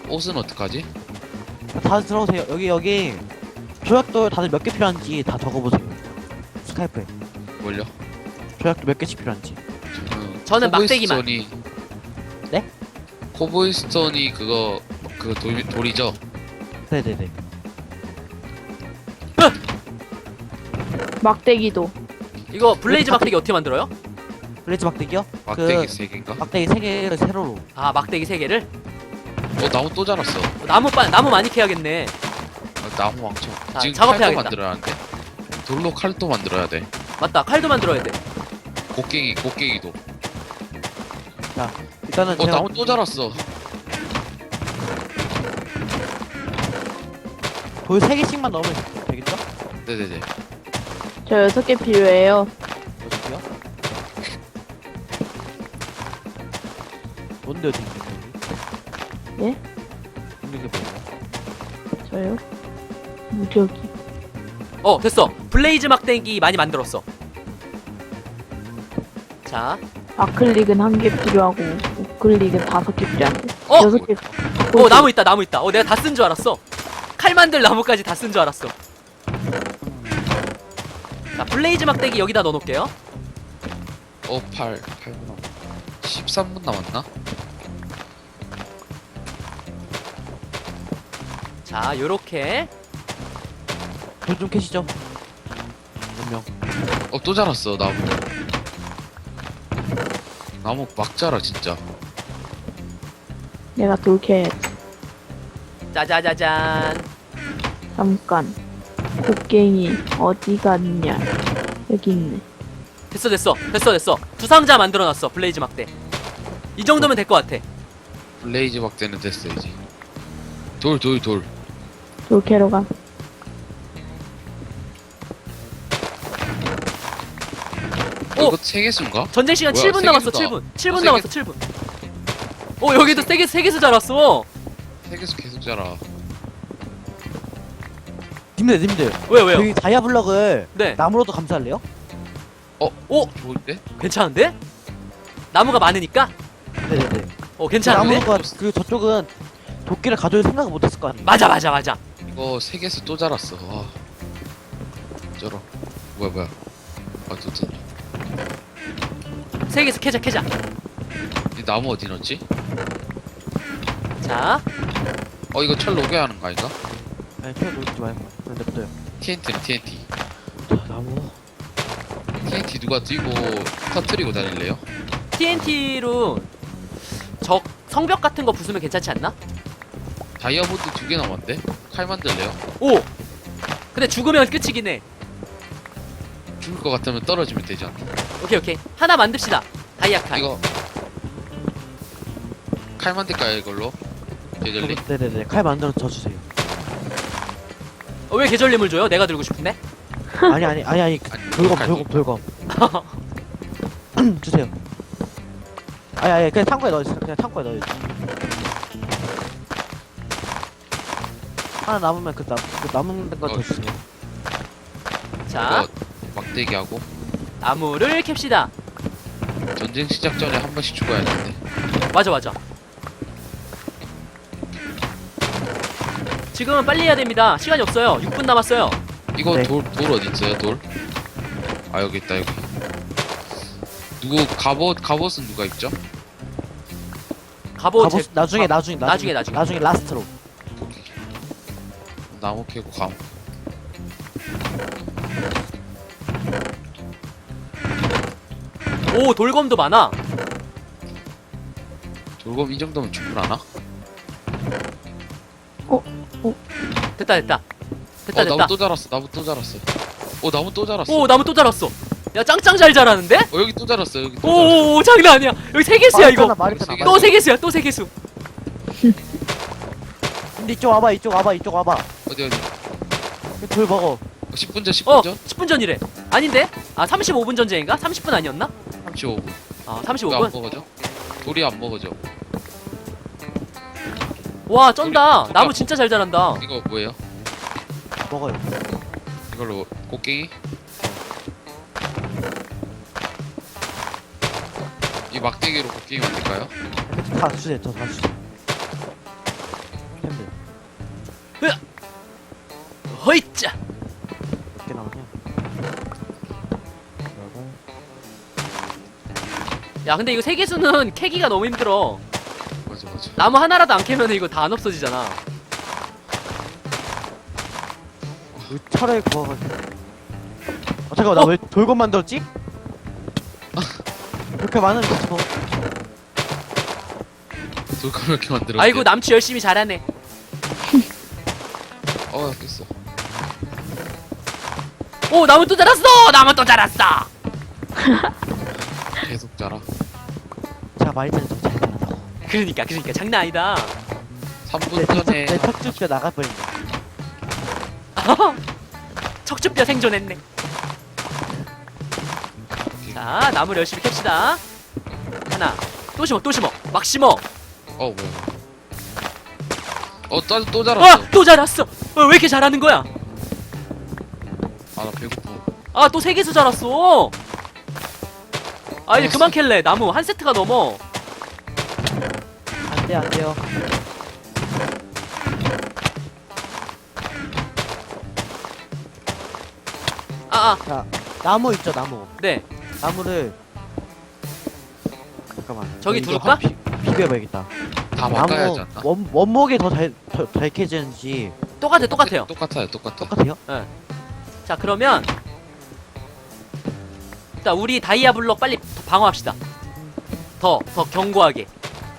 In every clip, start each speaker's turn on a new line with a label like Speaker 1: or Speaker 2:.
Speaker 1: 옷은 어떡하지?
Speaker 2: 다들 들어오세요. 여기 조약도 다들 몇 개 필요한지 다 적어보세요. 스카이프에
Speaker 1: 뭘요?
Speaker 2: 조약도 몇 개씩 필요한지.
Speaker 3: 저는 막대기만.
Speaker 1: 코보이스톤이
Speaker 2: 네?
Speaker 1: 코보이스톤이 그거 돌이죠?
Speaker 2: 네네네.
Speaker 4: 막대기도.
Speaker 3: 이거 블레이즈 막대기 어떻게 만들어요?
Speaker 2: 블레이즈 막대기요?
Speaker 1: 막대기 3개인가?
Speaker 2: 막대기 3개를 세로로.
Speaker 3: 아 막대기 3개를?
Speaker 1: 나무 또 자랐어.
Speaker 3: 나무 많이 캐야겠네.
Speaker 1: 나무 왕청.
Speaker 3: 자,
Speaker 1: 지금
Speaker 3: 작업해야겠다.
Speaker 1: 칼도 만들어야 하는데. 돌로 칼도 만들어야 돼.
Speaker 3: 맞다, 칼도 만들어야 돼.
Speaker 1: 곡괭이도.
Speaker 2: 자 일단은 제가
Speaker 1: 나무 또 자랐어.
Speaker 2: 돌 3개씩만 넣으면 되겠죠?
Speaker 1: 네네네.
Speaker 4: 저 6개 필요해요.
Speaker 2: 어디요? 뭔데 어디 있는
Speaker 4: 예?
Speaker 2: 있는 게 뭐예요?
Speaker 4: 저요? 무적이.
Speaker 3: 됐어. 블레이즈 막대기 많이 만들었어. 자,
Speaker 4: 아클릭은 1개 필요하고 우클릭은 5개 필요한데.
Speaker 3: 어!
Speaker 4: 6개.
Speaker 3: 나무 있다. 내가 다 쓴 줄 알았어. 칼 만들 나무까지 다 쓴 줄 알았어. 자, 블레이즈 막대기 여기다 넣어놓을게요.
Speaker 1: 8분 13분 남았나?
Speaker 3: 자, 요렇게.
Speaker 2: 돌좀 캐시죠. 몇 명?
Speaker 1: 또 자랐어 나무. 나무 막 자라 진짜.
Speaker 4: 내가 돌캐.
Speaker 3: 짜자자잔.
Speaker 4: 잠깐. 곡괭이 어디 갔냐? 여기 있네.
Speaker 3: 됐어. 두 상자 만들어놨어. 블레이즈 막대. 이 정도면 될 것 같아.
Speaker 1: 블레이즈 막대는 됐어 이제. 돌.
Speaker 4: 돌캐로 가.
Speaker 3: 오!
Speaker 1: 이거 3개수인가?
Speaker 3: 전쟁 시간
Speaker 1: 뭐야,
Speaker 3: 7분 남았어.
Speaker 1: 세 개수다.
Speaker 3: 7분
Speaker 1: 세
Speaker 3: 남았어. 7분. 여기도 세 개수 자랐어.
Speaker 1: 3개수 계속 자라.
Speaker 2: 님들
Speaker 3: 왜요?
Speaker 2: 여기 다이아 블럭을
Speaker 3: 네.
Speaker 2: 나무로도 감쌀래요?
Speaker 1: 좋은데?
Speaker 3: 괜찮은데? 나무가 많으니까?
Speaker 2: 네네네.
Speaker 3: 괜찮은데?
Speaker 2: 나무가 그 저쪽은 도끼를 가져올 생각을 못했을 거 아니에요?
Speaker 3: 맞아.
Speaker 1: 이거 3개수 또 자랐어. 와. 쩔어. 뭐야. 좋다.
Speaker 3: 세 개수 캐자.
Speaker 1: 이 나무 어디 넣었지?
Speaker 3: 자,
Speaker 1: 이거 철 녹여야 하는 거 아닌가?
Speaker 2: 아니 튀어 놓지 말고 그냥 냅둬요.
Speaker 1: TNT는 TNT.
Speaker 2: 자 나무.
Speaker 1: TNT 누가 들고 터트리고 다닐래요?
Speaker 3: TNT로 적 성벽 같은 거 부수면 괜찮지 않나?
Speaker 1: 다이아몬드 2개 남았는데? 칼 만들래요?
Speaker 3: 오! 근데 죽으면 끝이긴 해.
Speaker 1: 죽을 것 같으면 떨어지면 되지 않나?
Speaker 3: 오케이. 하나 만듭시다. 다이아 칼.
Speaker 1: 이거 칼 만들까요 이걸로? 계절리?
Speaker 2: 네네네. 칼 만들어서 저 주세요.
Speaker 3: 왜 계절림을 줘요? 내가 들고 싶은데?
Speaker 2: 아니 돌검 주세요. 아니 그냥 창고에 넣어주세요. 하나 남으면 그 남은 거 더 주세요.
Speaker 3: 자,
Speaker 1: 이거 막대기 하고
Speaker 3: 나무를 캡시다.
Speaker 1: 전쟁 시작 전에 한 번씩 죽어야 되는데.
Speaker 3: 맞아. 지금은 빨리 해야 됩니다. 시간이 없어요. 6분 남았어요.
Speaker 1: 이거
Speaker 2: 네.
Speaker 1: 돌 어디 있어요? 돌? 여기 있다 여기. 누구 갑옷은 누가 입죠?
Speaker 3: 갑옷
Speaker 2: 나중에 라스트로.
Speaker 1: 오케이. 나무 캐고 감.
Speaker 3: 오, 돌검도 많아.
Speaker 1: 돌검 이 정도면 충분하나?
Speaker 3: 됐다.
Speaker 1: 나무 또 자랐어. 나무 또 자랐어. 나무 또 자랐어.
Speaker 3: 오, 나무 또 자랐어. 야, 짱짱 잘 자라는데?
Speaker 1: 여기 또 자랐어. 여기 또 자랐어.
Speaker 3: 오, 장난 아니야. 여기 3개수야 이거.
Speaker 2: 말했잖아.
Speaker 3: 또 3개수야. 또 3개수.
Speaker 2: 근데 이쪽 와봐.
Speaker 1: 어디
Speaker 2: 돌 먹어.
Speaker 1: 10분 전 10분 전?
Speaker 3: 10분 전이래. 아닌데? 35분 전쟁인가? 30분 아니었나?
Speaker 1: 35분.
Speaker 3: 아,
Speaker 1: 이거 안
Speaker 3: 35분?
Speaker 1: 먹어져? 돌이 안 먹어져.
Speaker 3: 와, 쩐다.
Speaker 1: 우리-
Speaker 3: 나무 진짜 잘 자란다.
Speaker 1: 이거 뭐예요?
Speaker 2: 먹어요.
Speaker 1: 이걸로 곡괭이? 이 막대기로 곡괭이 만들까요?
Speaker 2: 다 주세요. 저 다 주세요.
Speaker 3: 허이짜.
Speaker 2: 몇 개 나오냐? 그리고
Speaker 3: 야 근데 이거 세계수는 캐기가 너무 힘들어.
Speaker 1: 맞아 맞아.
Speaker 3: 나무 하나라도 안 캐면 이거 다 안 없어지잖아.
Speaker 2: 이 철에 구워가지고. 잠깐만 나 왜 돌검 만들었지? 이렇게 많은 거.
Speaker 1: 돌감 이렇게 만들었대.
Speaker 3: 아이고 남치 열심히 잘하네.
Speaker 1: 어 깼어.
Speaker 3: 오 나무 또 자랐어. 나무 또 자랐어.
Speaker 1: 계속 자라.
Speaker 2: 제가 말이 되는 잘 되나다고.
Speaker 3: 그러니까 장난 아니다.
Speaker 1: 3분 전에
Speaker 2: 내 척추뼈 나가버린다.
Speaker 3: 척추뼈 생존했네. 자 나무를 열심히 캡시다. 하나 또 심어 막 심어.
Speaker 1: 어 뭐야. 또 자랐어.
Speaker 3: 또 자랐어. 왜 이렇게 잘하는 거야?
Speaker 1: 아 나 배고파.
Speaker 3: 아 또 세개수 자랐어. 아 이제
Speaker 1: 어,
Speaker 3: 그만 캘래. 나무 한 세트가 넘어.
Speaker 2: 안 돼, 안 돼요. 자, 나무 있죠, 나무.
Speaker 3: 네
Speaker 2: 나무를. 잠깐만.
Speaker 3: 저기
Speaker 2: 이거
Speaker 3: 두를까?
Speaker 2: 비벼봐야겠다.
Speaker 1: 다 막아야지 않나?
Speaker 2: 원목이 더 잘 캐지는지
Speaker 3: 똑같아요.
Speaker 1: 똑같아요.
Speaker 2: 똑같아요?
Speaker 3: 자 그러면 일단 우리 다이아 블럭 빨리 방어합시다. 더 견고하게.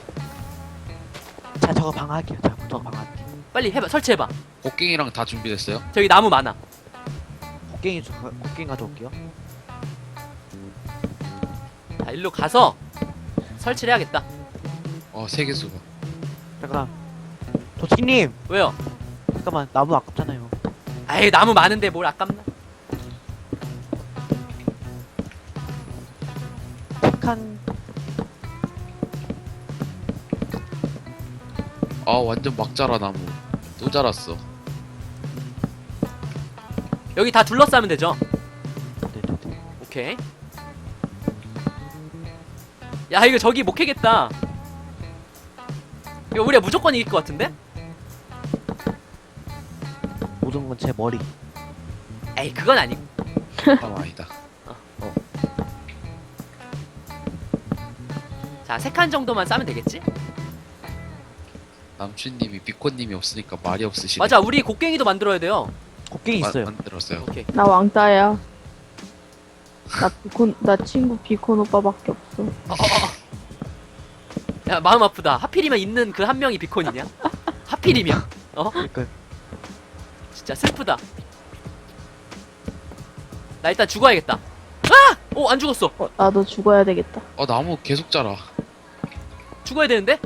Speaker 2: 자, 저거 방어할게요. 자, 저거 방어할게요.
Speaker 3: 빨리 해봐. 설치해봐.
Speaker 1: 곡괭이랑 다 준비됐어요?
Speaker 3: 저기 나무 많아.
Speaker 2: 곡괭이 가져올게요.
Speaker 3: 자 일로 가서 설치를 해야겠다.
Speaker 1: 세계수가.
Speaker 2: 잠깐. 도치님!
Speaker 3: 왜요?
Speaker 2: 잠깐만, 나무 아깝잖아요.
Speaker 3: 아이 나무 많은데 뭘 아깝나.
Speaker 2: 착한.
Speaker 1: 완전 막 자라 나무. 또 자랐어.
Speaker 3: 여기 다 둘러싸면 되죠.
Speaker 2: 네네네.
Speaker 3: 오케이. 야 이거 저기 못 캐겠다. 이거 우리가 무조건 이길 것 같은데?
Speaker 2: 모든 건 제 머리.
Speaker 3: 에이 그건 아니고.
Speaker 1: 아니다.
Speaker 3: 자 3칸 정도만 싸면 되겠지?
Speaker 1: 남춘님이 비코님이 없으니까 말이 없으시네.
Speaker 3: 맞아 우리 곡괭이도 만들어야 돼요.
Speaker 2: 곡괭이 있어요.
Speaker 1: 만들었어요.
Speaker 3: 오케이.
Speaker 4: 나 왕따야. 나 친구 비콘 오빠밖에 없어.
Speaker 3: 야 마음 아프다. 하필이면 있는 그 한 명이 비콘이냐? 하필이면.
Speaker 2: 그러니까
Speaker 3: 진짜 슬프다. 나 일단 죽어야겠다. 아! 오 안 죽었어.
Speaker 4: 나도 죽어야 되겠다.
Speaker 1: 나무 계속 자라.
Speaker 3: 죽어야 되는데?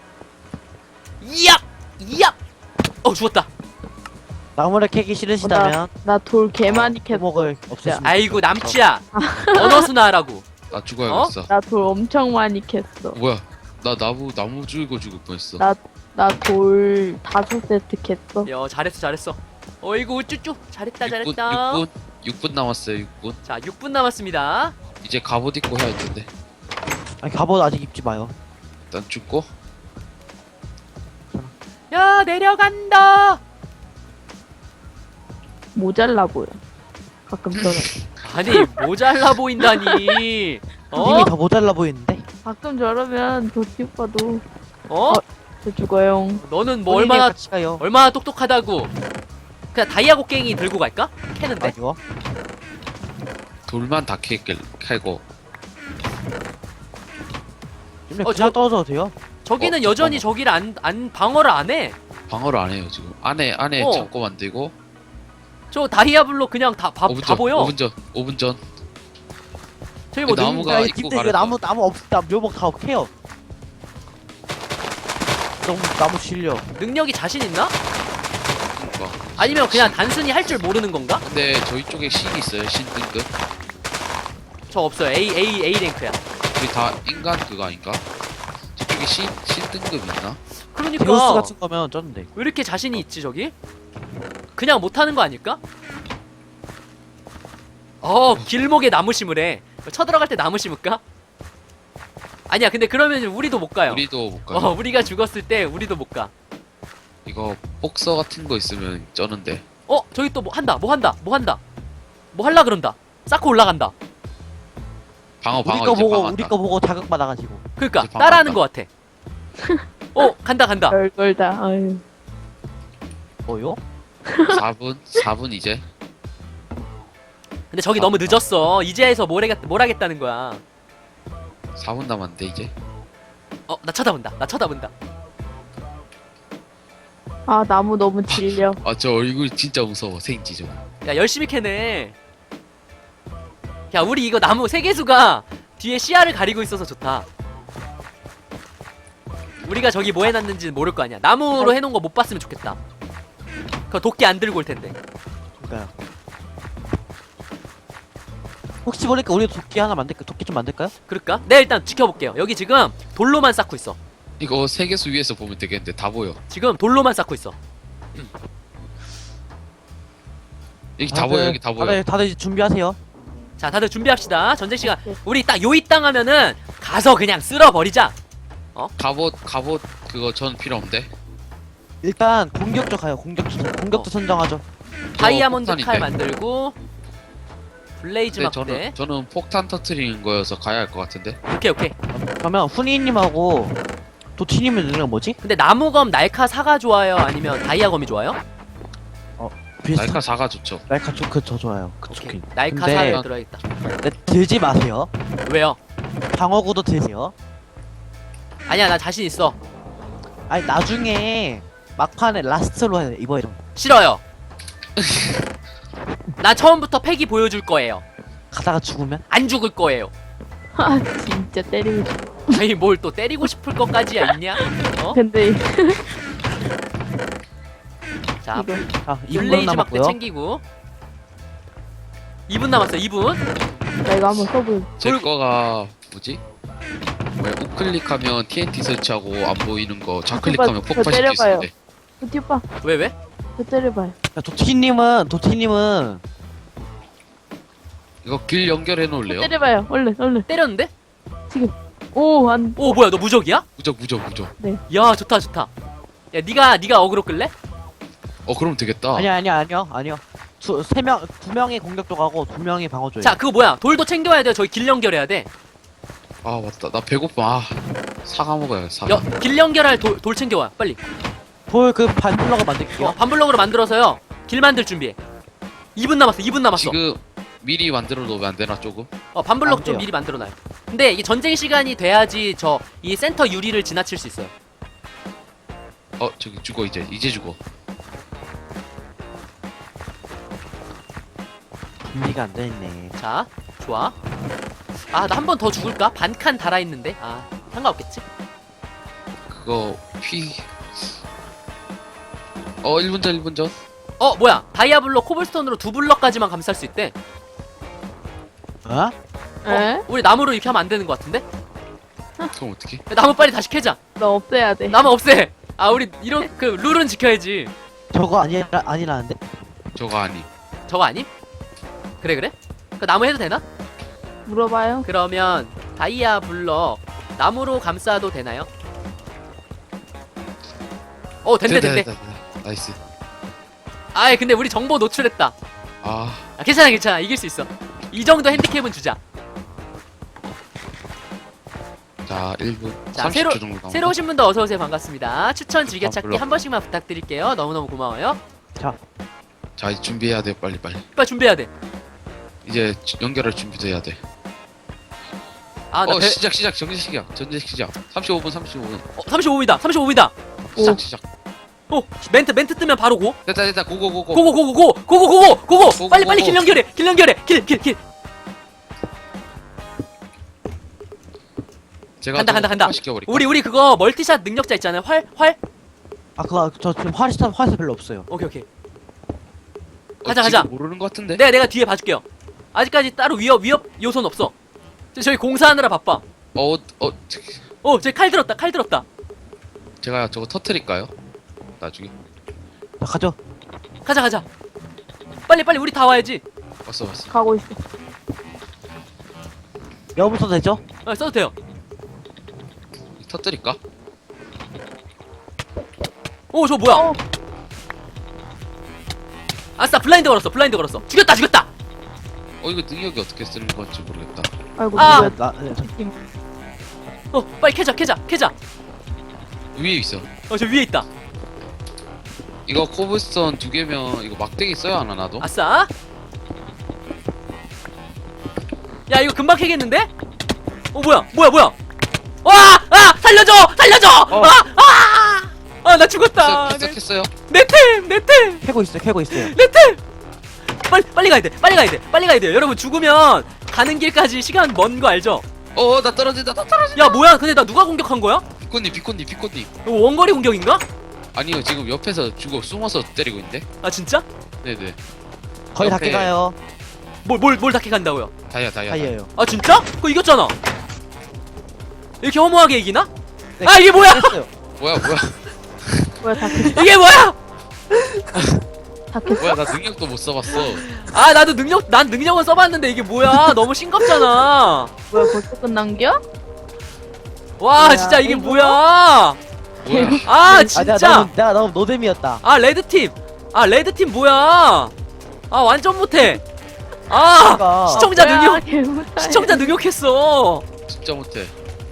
Speaker 3: 이얍! 이얍! 죽었다.
Speaker 2: 나무를 캐기 싫으시다면
Speaker 4: 나 돌 개 많이 캤어.
Speaker 2: 목을 없애시면
Speaker 3: 아이고 남치야. 언어 순화하라고.
Speaker 1: 나 죽어야겠어.
Speaker 4: 나 돌 엄청 많이 캤어.
Speaker 1: 뭐야? 나 나무 죽이고 죽을 뻔했어.
Speaker 4: 나 돌 5세트 캤어.
Speaker 3: 야 잘했어. 어이구 우쭈쭈. 잘했다.
Speaker 1: 6분 남았어요. 6분.
Speaker 3: 자 6분 남았습니다.
Speaker 1: 이제 갑옷 입고 해야 할 텐데.
Speaker 2: 아니 갑옷 아직 입지 마요.
Speaker 1: 일단 죽고.
Speaker 3: 야 내려간다.
Speaker 4: 모자라 보여. 가끔처럼.
Speaker 3: 아니 모자라 보인다니.
Speaker 2: 님이 더 모자라 보이는데?
Speaker 4: 가끔 저러면 도티 오빠도
Speaker 3: 어?
Speaker 4: 저 죽어요.
Speaker 3: 너는 뭐
Speaker 2: 본인이
Speaker 3: 얼마나
Speaker 2: 같이 가요.
Speaker 3: 똑똑하다고. 그냥 다이아 곡괭이 들고 갈까? 캐는데.
Speaker 2: 아니요.
Speaker 1: 돌만 다 캐고.
Speaker 2: 님네
Speaker 3: 어,
Speaker 2: 그냥
Speaker 3: 저-
Speaker 2: 떨어져도 돼요?
Speaker 3: 저기는
Speaker 1: 어,
Speaker 3: 여전히
Speaker 1: 잠깐만.
Speaker 3: 저기를 안 방어를 안 해.
Speaker 1: 방어를 안 해요 지금. 안에
Speaker 3: 어.
Speaker 1: 창고 만들고.
Speaker 3: 저 다이아 블록 그냥 다
Speaker 1: 5분 전.
Speaker 3: 보여.
Speaker 1: 5분 전.
Speaker 3: 저기 뭐
Speaker 1: 나무가
Speaker 2: 야,
Speaker 1: 입고
Speaker 2: 님들 이거
Speaker 1: 가려서.
Speaker 2: 나무 없다. 묘목 다 캐요. 너무 나무 실려.
Speaker 3: 능력이 자신 있나?
Speaker 1: 그러니까.
Speaker 3: 아니면 그냥 단순히 할 줄 모르는 건가?
Speaker 1: 근데 저희 쪽에 신이 있어요. 신 등급.
Speaker 3: 저 없어요. A 랭크야.
Speaker 1: 우리 다 인간 그거 아닌가? 저쪽에 신 등급 있나?
Speaker 3: 그러니까
Speaker 2: 데우스 같은 거면 쩌는데.
Speaker 3: 왜 이렇게 자신이 있지 저기? 그냥 못하는 거 아닐까? 길목에 나무 심으래. 쳐들어갈 때 나무 심을까? 아니야 근데 그러면 우리도 못 가요.
Speaker 1: 우리도 못 가요.
Speaker 3: 우리가 죽었을 때 우리도 못 가.
Speaker 1: 이거 복서 같은 거 있으면 쩌는데.
Speaker 3: 저기 또 뭐 한다. 뭐 할라 그런다. 쌓고 올라간다.
Speaker 1: 방어
Speaker 2: 우리
Speaker 1: 방어
Speaker 2: 거
Speaker 1: 이제
Speaker 2: 보고
Speaker 1: 방어.
Speaker 2: 우리 거 보고 자극받아가지고.
Speaker 3: 그러니까
Speaker 1: 이제
Speaker 3: 따라하는
Speaker 1: 반갑다.
Speaker 3: 것 같아. 간다.
Speaker 4: 별걸 다. 아유.
Speaker 2: 뭐요?
Speaker 1: 4분 이제.
Speaker 3: 근데 저기 너무 늦었어. 이제에서 뭘 하겠다는 거야.
Speaker 1: 4분 남았는데 이제.
Speaker 3: 나 쳐다본다.
Speaker 4: 아 나무 너무 질려.
Speaker 1: 아 저 얼굴 진짜 무서워. 생지 좀.
Speaker 3: 야, 열심히 캐네. 야, 우리 이거 나무 세계수가 뒤에 시야를 가리고 있어서 좋다. 우리가 저기 뭐 해놨는지는 모를 거 아니야. 나무로 해놓은 거 못 봤으면 좋겠다. 그 도끼 안 들고 올 텐데.
Speaker 2: 그러니까요. 혹시 모르니까 우리 도끼 하나 만들까? 도끼 좀 만들까요?
Speaker 3: 그럴까? 네, 일단 지켜볼게요. 여기 지금 돌로만 쌓고 있어.
Speaker 1: 이거 세계수 위에서 보면 되겠는데 다 보여.
Speaker 3: 지금 돌로만 쌓고 있어.
Speaker 1: 여기 다 보여. 여기 다 보여.
Speaker 2: 다들 이제 준비하세요.
Speaker 3: 자, 다들 준비합시다. 전쟁 시간. 우리 딱 요이 땅 하면은 가서 그냥 쓸어버리자.
Speaker 1: 갑옷 그거 전 필요 없는데.
Speaker 2: 일단 공격조 가요. 공격조 선정하죠.
Speaker 3: 다이아몬드
Speaker 1: 폭탄인데.
Speaker 3: 칼 만들고 블레이즈
Speaker 1: 근데
Speaker 3: 막대.
Speaker 1: 저는 폭탄 터트리는 거여서 가야 할 것 같은데.
Speaker 3: 오케이.
Speaker 2: 그러면 훈이님하고 도티님의 능력 뭐지?
Speaker 3: 근데 나무검 날카 사가 좋아요? 아니면 다이아검이 좋아요?
Speaker 2: 비슷한
Speaker 1: 날카 4가 좋죠.
Speaker 2: 날카 저 좋아요. 그
Speaker 3: 오케이.
Speaker 2: 좋긴.
Speaker 3: 날카
Speaker 2: 근데-
Speaker 3: 사가 들어야겠다.
Speaker 2: 근데 들지 마세요.
Speaker 3: 왜요?
Speaker 2: 방어구도 드세요.
Speaker 3: 아니야, 나 자신 있어.
Speaker 2: 아니 나중에 막판에 라스트로 입어야 돼.
Speaker 3: 싫어요. 나 처음부터 패기 보여줄 거예요.
Speaker 2: 가다가 죽으면
Speaker 3: 안 죽을 거예요.
Speaker 4: 아 진짜 때리고 싶어.
Speaker 3: 아니 뭘 또 때리고 싶을 것까지야 있냐?
Speaker 4: 근데
Speaker 3: 자,
Speaker 4: 이거
Speaker 2: 자 2분
Speaker 3: 블레이즈 막대
Speaker 2: 남았고요.
Speaker 3: 챙기고 2분 남았어. 2분.
Speaker 4: 나 이거 한번 써볼.
Speaker 1: 제 거가 뭐지? 왜 우클릭하면 TNT 설치하고 안 보이는 거 좌클릭하면
Speaker 4: 저
Speaker 1: 폭파시킬 수
Speaker 4: 때려봐요.
Speaker 1: 있는데.
Speaker 4: 도티 오빠
Speaker 3: 왜?
Speaker 4: 저 때려봐요.
Speaker 2: 자, 도티님은
Speaker 1: 이거 길 연결해
Speaker 4: 저
Speaker 1: 놓을래요?
Speaker 4: 때려봐요. 얼른.
Speaker 3: 때렸는데?
Speaker 4: 오 안.
Speaker 3: 오, 뭐야, 너 무적이야?
Speaker 1: 무적.
Speaker 3: 야, 좋다. 야, 네가 어그로 끌래?
Speaker 1: 그럼 되겠다.
Speaker 2: 아니요. 두 명의 공격조 가고 2명이 방어조예요.
Speaker 3: 자, 그거 뭐야? 돌도 챙겨야 돼. 저기 길 연결해야 돼.
Speaker 1: 아 맞다. 나 배고파. 사과 먹어야 사과.
Speaker 3: 길 연결할 돌 챙겨와. 빨리.
Speaker 2: 볼그 반블럭을 만들게요.
Speaker 3: 반블럭으로 만들어서요. 길 만들 준비해. 2분 남았어.
Speaker 1: 지금 미리 만들어 놓으면 안 되나 조금?
Speaker 3: 반블럭
Speaker 2: 안
Speaker 3: 좀
Speaker 2: 돼요.
Speaker 3: 미리 만들어놔요. 근데 이게 전쟁 시간이 돼야지 이 센터 유리를 지나칠 수 있어요.
Speaker 1: 저기 죽어 이제 죽어.
Speaker 2: 준비가 안 돼있네.
Speaker 3: 자, 좋아. 나 한 번 더 죽을까? 반칸 달아있는데? 상관없겠지?
Speaker 1: 그거 1분 전.
Speaker 3: 뭐야? 다이아블록 코블스톤으로 2블럭까지만 감쌀 수 있대.
Speaker 2: 어?
Speaker 4: 에?
Speaker 3: 우리 나무로 이렇게 하면 안 되는 것 같은데?
Speaker 1: 그럼 어떻게?
Speaker 3: 야, 나무 빨리 다시 캐자.
Speaker 4: 너 없애야 돼.
Speaker 3: 나무 없애. 우리 이런 그 룰은 지켜야지.
Speaker 2: 저거 아니라는데?
Speaker 1: 저거 아니.
Speaker 3: 저거 아님? 그래? 그 나무 해도 되나?
Speaker 4: 물어봐요.
Speaker 3: 그러면 다이아블럭 나무로 감싸도 되나요? 된대.
Speaker 1: 됐다. 나이스.
Speaker 3: 근데 우리 정보 노출했다.
Speaker 1: 아
Speaker 3: 괜찮아. 이길 수 있어. 이 정도 핸디캡은 주자.
Speaker 1: 자 1분
Speaker 3: 자,
Speaker 1: 30초 정도 남았.
Speaker 3: 새로 오신 분도 어서 오세요. 반갑습니다. 추천 즐겨찾기
Speaker 1: 물론.
Speaker 3: 한 번씩만 부탁드릴게요. 너무너무 고마워요.
Speaker 1: 자 이제 준비해야 돼 빨리.
Speaker 3: 빨리 준비해야 돼.
Speaker 1: 이제 연결할 준비도 해야 돼. 시작 전제 시작. 35분
Speaker 3: 35분이다. 35분이다.
Speaker 1: 시작.
Speaker 3: 멘트 뜨면 바로 고.
Speaker 1: 됐다 고고고고.
Speaker 3: 고고. 빨리
Speaker 1: 고고.
Speaker 3: 길 연결해. 길.
Speaker 1: 제가
Speaker 3: 간다.
Speaker 1: 시켜버릴까?
Speaker 3: 우리 그거 멀티샷 능력자 있잖아요. 활.
Speaker 2: 그거 저 지금 화살 별로 없어요.
Speaker 3: 오케이. 가자.
Speaker 1: 모르는 것 같은데.
Speaker 3: 내가 뒤에 봐줄게요. 아직까지 따로 위협 요소는 없어. 저희 공사하느라 바빠. 저기 칼 들었다.
Speaker 1: 제가 저거 터트릴까요? 나중에.
Speaker 2: 자, 가죠.
Speaker 3: 가자. 빨리 우리 다 와야지.
Speaker 1: 왔어.
Speaker 4: 가고 있어.
Speaker 2: 여부터 되죠?
Speaker 3: 써도 돼요.
Speaker 1: 터트릴까?
Speaker 3: 오, 저 뭐야? 아싸, 블라인드 걸었어. 블라인드 걸었어. 죽였다, 죽였다.
Speaker 1: 이거 능력이 어떻게 쓰는 건지 모르겠다.
Speaker 4: 아이고
Speaker 3: 아!
Speaker 4: 누구야?
Speaker 2: 나
Speaker 3: 빨리 캐자, 캐자, 캐자.
Speaker 1: 위에 있어.
Speaker 3: 저 위에 있다.
Speaker 1: 이거 코블스톤 2개면 이거 막대기 써야 하나 나도?
Speaker 3: 아싸. 야, 이거 금방 캐겠는데? 뭐야? 와! 아! 살려줘! 나 죽었다.
Speaker 1: 시작했어요.
Speaker 3: 내 템!
Speaker 2: 캐고 있어요.
Speaker 3: 내 템! 빨리 가야 돼요. 여러분, 죽으면 가는 길까지 시간 먼 거 알죠?
Speaker 1: 나 떨어진다.
Speaker 3: 야, 뭐야? 근데 나 누가 공격한 거야?
Speaker 1: 비코님.
Speaker 3: 이거 원거리 공격인가?
Speaker 1: 아니요, 지금 옆에서 숨어서 때리고 있는데?
Speaker 3: 아, 진짜?
Speaker 1: 네네.
Speaker 2: 거의 다
Speaker 1: 옆에
Speaker 2: 깨가요.
Speaker 3: 뭘 다 캐간다고요?
Speaker 1: 다이아.
Speaker 2: 다이에요.
Speaker 3: 아, 진짜? 그거 이겼잖아. 이렇게 허무하게 이기나?
Speaker 2: 네,
Speaker 3: 아, 이게 뭐야?
Speaker 2: 했어요.
Speaker 1: 뭐야.
Speaker 4: 뭐야 다 캤어?
Speaker 3: 이게 뭐야?
Speaker 4: 다 캤어?
Speaker 1: 뭐야, 나 능력도 못 써봤어.
Speaker 3: 아, 난 능력은 써봤는데 이게 뭐야? 너무 싱겁잖아.
Speaker 4: 뭐야 벌써 끝난겨?
Speaker 3: 와,
Speaker 4: 뭐야,
Speaker 3: 진짜 이게
Speaker 4: 이거?
Speaker 3: 뭐야?
Speaker 1: 뭐야.
Speaker 3: 아, 진짜.
Speaker 2: 내가 너무 노잼이었다.
Speaker 3: 아, 레드팀 뭐야? 아, 완전 못해. 아,
Speaker 2: 그러니까.
Speaker 3: 시청자 능력,
Speaker 4: 개무다.
Speaker 3: 시청자 능력했어.
Speaker 1: 진짜 못해.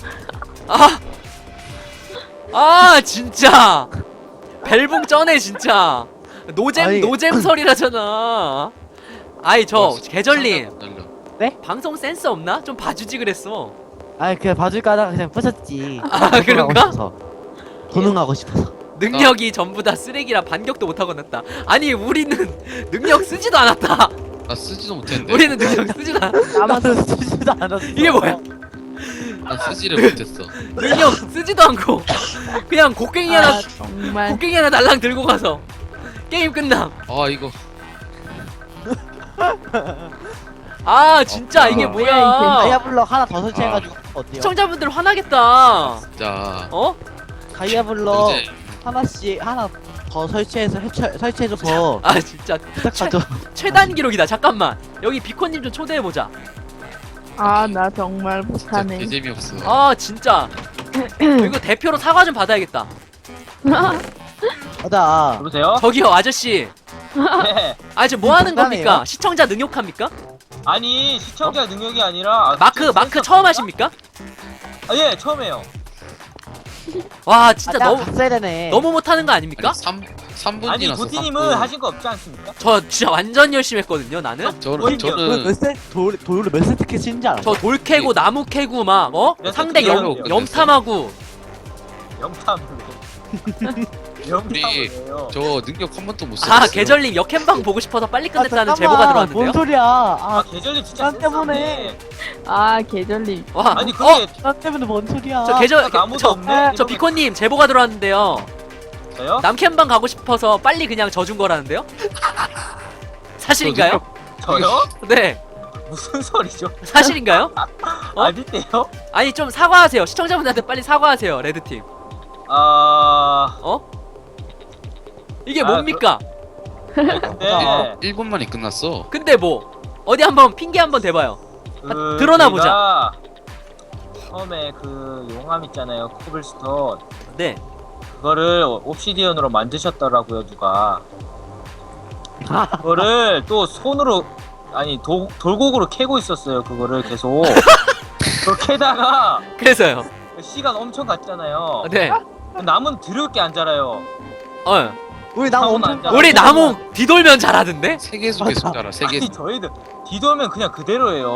Speaker 3: 진짜. 벨붕 쩌네, 진짜.
Speaker 2: 아니.
Speaker 3: 노잼설이라잖아. 아이, 계절님.
Speaker 1: 날려.
Speaker 3: 방송 센스 없나? 좀 봐주지 그랬어.
Speaker 2: 그냥 봐줄까 하다가 그냥 부셨지.
Speaker 3: 그런가?
Speaker 2: 도능하고 싶어서.
Speaker 3: 능력이 전부 다 쓰레기라 반격도 못하고 났다. 아니, 우리는 능력 쓰지도 않았다.
Speaker 1: 나 쓰지도 못했는데.
Speaker 3: 우리는 능력 쓰지도 않았다.
Speaker 2: 나도 쓰지도 않았어.
Speaker 3: 이게 뭐야?
Speaker 1: 난 쓰지를 못했어.
Speaker 3: 능력 쓰지도 않고 그냥 곡괭이 하나
Speaker 4: 정말
Speaker 3: 곡괭이 하나 날랑 들고 가서 게임 끝남.
Speaker 1: 이거.
Speaker 3: 진짜 이게
Speaker 1: 뭐야,
Speaker 3: 뭐야?
Speaker 2: 다이아블럭 하나 더 설치해가지고 어때요?
Speaker 3: 시청자분들 화나겠다.
Speaker 1: 자.
Speaker 2: 다이아블럭
Speaker 1: 이제
Speaker 2: 하나씩 하나 더 설치해줘서
Speaker 3: 진짜
Speaker 2: 부탁하죠.
Speaker 3: 최단 기록이다. 잠깐만. 여기 비코님 좀 초대해 보자.
Speaker 4: 나 정말
Speaker 1: 진짜
Speaker 4: 못하네.
Speaker 1: 개재미없어.
Speaker 3: 진짜. 이거 대표로 사과 좀 받아야겠다.
Speaker 2: 맞아.
Speaker 5: 여보세요?
Speaker 3: 저기요, 아저씨.
Speaker 5: 네.
Speaker 3: 지금 뭐 하는
Speaker 2: 농담이에요?
Speaker 3: 겁니까? 시청자 능욕합니까?
Speaker 5: 아니 시청자 능력이 아니라
Speaker 3: 마크 처음 하십니까?
Speaker 5: 예 처음이에요.
Speaker 3: 와, 진짜
Speaker 2: 내가
Speaker 3: 너무
Speaker 2: 갔어야 되네.
Speaker 3: 너무 못하는 거 아닙니까?
Speaker 1: 3분
Speaker 5: 아니
Speaker 1: 지났어.
Speaker 5: 도티님은 하신 거 없지 않습니까?
Speaker 3: 저 진짜 완전 열심히 했거든요, 나는.
Speaker 1: 저는
Speaker 2: 돌을 몇 세트 캐치는지 알아?
Speaker 3: 저 돌 캐고 나무 캐고 막
Speaker 5: 몇
Speaker 3: 상대
Speaker 5: 세트
Speaker 3: 염탐하고.
Speaker 5: 영탐을 영탐을요.
Speaker 1: 저 능력 한 번도 못 썼어.
Speaker 3: 계절님 역캠방 보고 싶어서 빨리 끝냈다는
Speaker 2: 잠깐만,
Speaker 3: 제보가
Speaker 2: 뭔
Speaker 3: 들어왔는데요.
Speaker 2: 소리야?
Speaker 5: 계절님 진짜
Speaker 2: 난 때문에.
Speaker 5: 센스없네.
Speaker 4: 계절님.
Speaker 3: 와,
Speaker 5: 아니 그게
Speaker 2: 나 때문에 뭔 소리야?
Speaker 3: 저 계절
Speaker 5: 나무도 없네.
Speaker 3: 저 비코님 제보가 들어왔는데요.
Speaker 5: 저요?
Speaker 3: 남캠방 가고 싶어서 빨리 그냥 져준 거라는데요? 사실인가요?
Speaker 5: 저요?
Speaker 3: 네,
Speaker 5: 무슨 소리죠?
Speaker 3: 사실인가요?
Speaker 5: 아닌데요?
Speaker 3: 아니, 좀 사과하세요. 시청자분들한테 빨리 사과하세요, 레드팀. 이게 뭡니까?
Speaker 5: 네.
Speaker 1: 1분 만에 끝났어.
Speaker 3: 근데 뭐 어디 한번 핑계 한번 대봐요. 드러나 보자.
Speaker 5: 제가 처음에 그 용암 있잖아요, 코블스톤.
Speaker 3: 네.
Speaker 5: 그거를 옵시디언으로 만드셨더라고요, 누가. 그거를 또 손으로 아니 돌곡으로 캐고 있었어요, 그거를 계속. 그걸 캐다가
Speaker 3: 그래서요.
Speaker 5: 시간 엄청 갔잖아요.
Speaker 3: 네.
Speaker 5: 나무는 드럽게 안 자라요.
Speaker 2: 우리 나무
Speaker 5: 나무는
Speaker 2: 엄청
Speaker 5: 안 자라.
Speaker 3: 우리 나무 뒤돌면 잘하던데?
Speaker 1: 세계에서
Speaker 2: 맞아.
Speaker 1: 계속 자라. 세계.
Speaker 5: 아니 저희들 뒤돌면 그냥 그대로예요.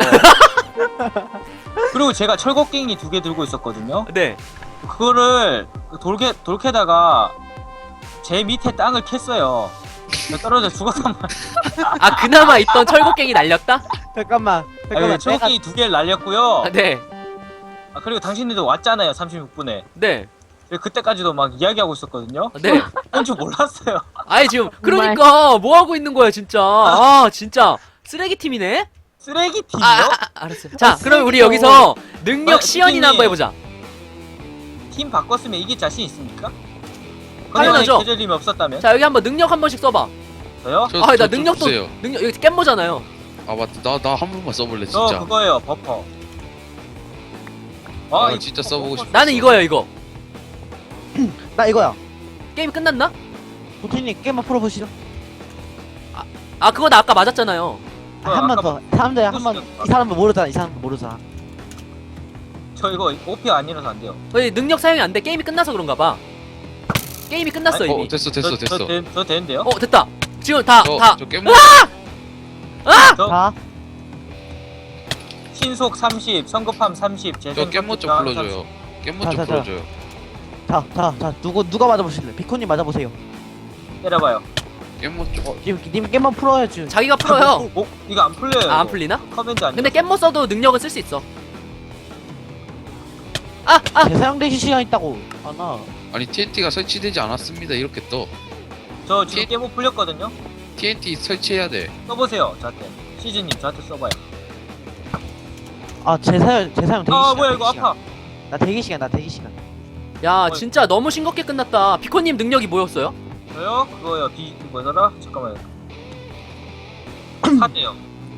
Speaker 5: 그리고 제가 철곡갱이 2개 들고 있었거든요.
Speaker 3: 네.
Speaker 5: 그거를 돌 캐다가 제 밑에 땅을 캤어요. 떨어져 죽었단 말이야.
Speaker 3: 그나마 있던 철곡갱이 날렸다?
Speaker 2: 잠깐만. 내가
Speaker 5: 철곡갱이 2개를 날렸고요.
Speaker 3: 네.
Speaker 5: 그리고 당신들도 왔잖아요, 36분에.
Speaker 3: 네.
Speaker 5: 그때까지도 막 이야기하고 있었거든요.
Speaker 3: 네.
Speaker 5: 그런 줄 몰랐어요.
Speaker 3: 지금 그러니까 뭐 하고 있는 거야, 진짜. 진짜 쓰레기 팀이네.
Speaker 5: 쓰레기 팀이요?
Speaker 3: 알았어요. 자, 그럼 우리 여기서 능력 시연이나 한번 해보자.
Speaker 5: 팀 바꿨으면 이길 자신 있습니까?
Speaker 3: 당연하죠.
Speaker 5: 계절님이 없었다면?
Speaker 3: 자, 여기 한번 능력 한 번씩 써봐.
Speaker 5: 저요?
Speaker 3: 나
Speaker 1: 좀
Speaker 3: 능력도
Speaker 1: 주세요.
Speaker 3: 능력 여기 깻모잖아요.
Speaker 1: 맞다. 나 한 번만 써볼래
Speaker 5: 저
Speaker 1: 진짜.
Speaker 5: 그거예요, 버퍼.
Speaker 1: 진짜 써보고 싶어.
Speaker 3: 나는 이거예요, 이거.
Speaker 2: 나 이거야.
Speaker 3: 게임 끝났나?
Speaker 2: 보티님 게임만 풀어보시죠.
Speaker 3: 아 그거 나 아까 맞았잖아요.
Speaker 2: 한 번 더. 사람들 한 번. 이 사람은 모르잖아. 이 사람은 모르잖아.
Speaker 5: 저 이거 OP 아니라서 안 돼요.
Speaker 3: 왜 능력 사용이 안 돼? 게임이 끝나서 그런가 봐. 게임이 끝났어 이미.
Speaker 1: 됐어.
Speaker 5: 저 되는데요?
Speaker 3: 됐다. 지금 다.
Speaker 1: 저 깨모.
Speaker 5: 저
Speaker 2: 자,
Speaker 5: 신속 30, 성급함 30,
Speaker 1: 저
Speaker 5: 재생
Speaker 1: 깨모 좀
Speaker 5: 30,
Speaker 1: 불러줘요. 깨모
Speaker 2: 자,
Speaker 1: 좀
Speaker 2: 자, 자.
Speaker 1: 불러줘요.
Speaker 2: 자. 누가 맞아보실래? 비코님 맞아보세요.
Speaker 5: 때려봐요.
Speaker 1: 깨모 좀.
Speaker 2: 지금 님 게임만 풀어요 지금.
Speaker 3: 자기가 풀어요.
Speaker 5: 이거 안 풀려요.
Speaker 3: 아, 안
Speaker 5: 이거.
Speaker 3: 풀리나?
Speaker 5: 커맨드 아니야.
Speaker 3: 근데 깻모 써도 능력은 쓸 수 있어.
Speaker 2: 재사용되실 시간 있다고. 아나.
Speaker 1: 아니 TNT가 설치되지 않았습니다. 이렇게 떠.
Speaker 5: 저 지금 깨모 풀렸거든요.
Speaker 1: TNT 설치해야 돼.
Speaker 5: 써보세요. 저한테. 시즈님 저한테 써봐요.
Speaker 2: 재사용 대기 시간.
Speaker 5: 뭐야 이거
Speaker 2: 대기 시간.
Speaker 5: 아파.
Speaker 2: 나 대기 시간.
Speaker 3: 야 진짜 너무 싱겁게 끝났다. 비코님 능력이 뭐였어요?
Speaker 5: 저요? 그거요. 뭐더라? 잠깐만요. 사대요.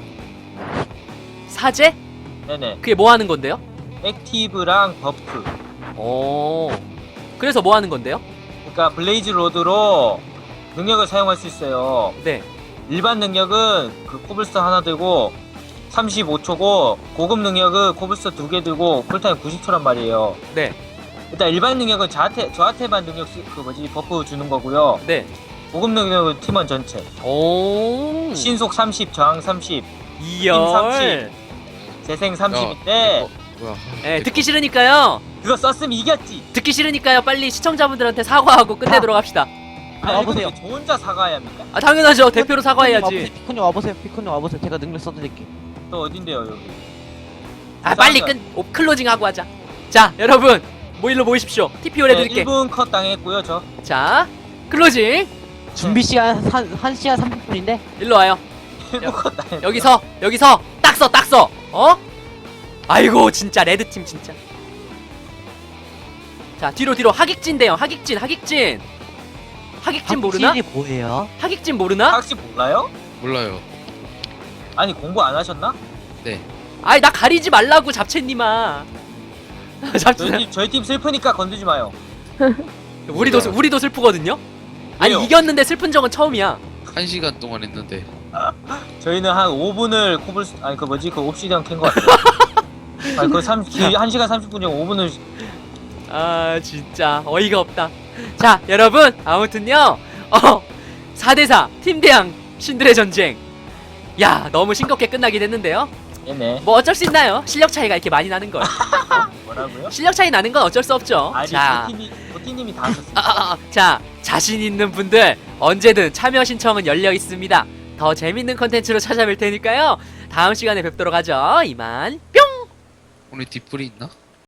Speaker 3: 사제?
Speaker 5: 네네.
Speaker 3: 그게 뭐 하는 건데요?
Speaker 5: 액티브랑 버프.
Speaker 3: 오. 그래서 뭐 하는 건데요?
Speaker 5: 그러니까 블레이즈 로드로 능력을 사용할 수 있어요.
Speaker 3: 네.
Speaker 5: 일반 능력은 그 코블스톤 하나 들고 35초고 고급 능력은 코블스톤 2개 들고 쿨타임 90초란 말이에요.
Speaker 3: 네.
Speaker 5: 일단 일반 능력은 저한테만 능력 버프 주는 거고요.
Speaker 3: 네.
Speaker 5: 고급 능력은 팀원 전체.
Speaker 3: 오.
Speaker 5: 신속 30, 저항 30,
Speaker 3: 이열.
Speaker 5: 재생 30인데
Speaker 1: 뭐야?
Speaker 3: 네, 듣기 싫으니까요.
Speaker 5: 그거 썼으면 이겼지.
Speaker 3: 듣기 싫으니까요. 빨리 시청자분들한테 사과하고 끝내도록 합시다.
Speaker 2: 와보세요.
Speaker 5: 저 혼자 사과해야 합니까?
Speaker 3: 아 당연하죠. 대표로 사과해야지.
Speaker 2: 비코님 와보세요. 제가 능력 써드릴게.
Speaker 5: 또 어딘데요 여기?
Speaker 3: 아 빨리 클로징 하고 하자. 자 여러분 모일로 모이십시오. TP 올려드릴게.
Speaker 5: 1분 컷 당했고요 저.
Speaker 3: 자 클로징.
Speaker 2: 준비 시간 1시간 30분인데.
Speaker 3: 일로 와요.
Speaker 5: 1분 컷 당했고요.
Speaker 3: 여기서 딱 써. 어? 아이고 진짜 레드팀 진짜. 자 뒤로 하객진 대요. 하객진 모르나?
Speaker 2: 확실히 뭐예요?
Speaker 3: 하객진 모르나?
Speaker 5: 혹시 몰라요?
Speaker 1: 몰라요.
Speaker 5: 아니 공부 안 하셨나?
Speaker 1: 네.
Speaker 3: 아이 나 가리지 말라고 잡채님아. 잡채.
Speaker 5: 저희 팀 슬프니까 건드지 마요.
Speaker 3: 우리도 슬프거든요. 아니
Speaker 5: 왜요?
Speaker 3: 이겼는데 슬픈 적은 처음이야.
Speaker 1: 1시간 동안 했는데.
Speaker 5: 저희는 한 5분을 그 옵시디언 캔 거 같아요. 아니 그 1시간 30분이면 5분을
Speaker 3: 아 진짜 어이가 없다. 자 여러분 아무튼요 4대4 팀대항 신들의 전쟁. 야 너무 싱겁게 끝나긴 했는데요.
Speaker 5: 얘네.
Speaker 3: 뭐 어쩔 수 있나요? 실력 차이가 이렇게 많이 나는 걸.
Speaker 5: 뭐라고요?
Speaker 3: 실력 차이 나는 건 어쩔 수 없죠.
Speaker 5: 아니
Speaker 3: 자,
Speaker 5: 보티님이 다 하셨어요.
Speaker 3: 자 자신 있는 분들 언제든 참여 신청은 열려 있습니다. 더 재밌는 컨텐츠로 찾아뵐 테니까요. 다음 시간에 뵙도록 하죠. 이만 뿅.
Speaker 1: 오늘 뒷불이 있나?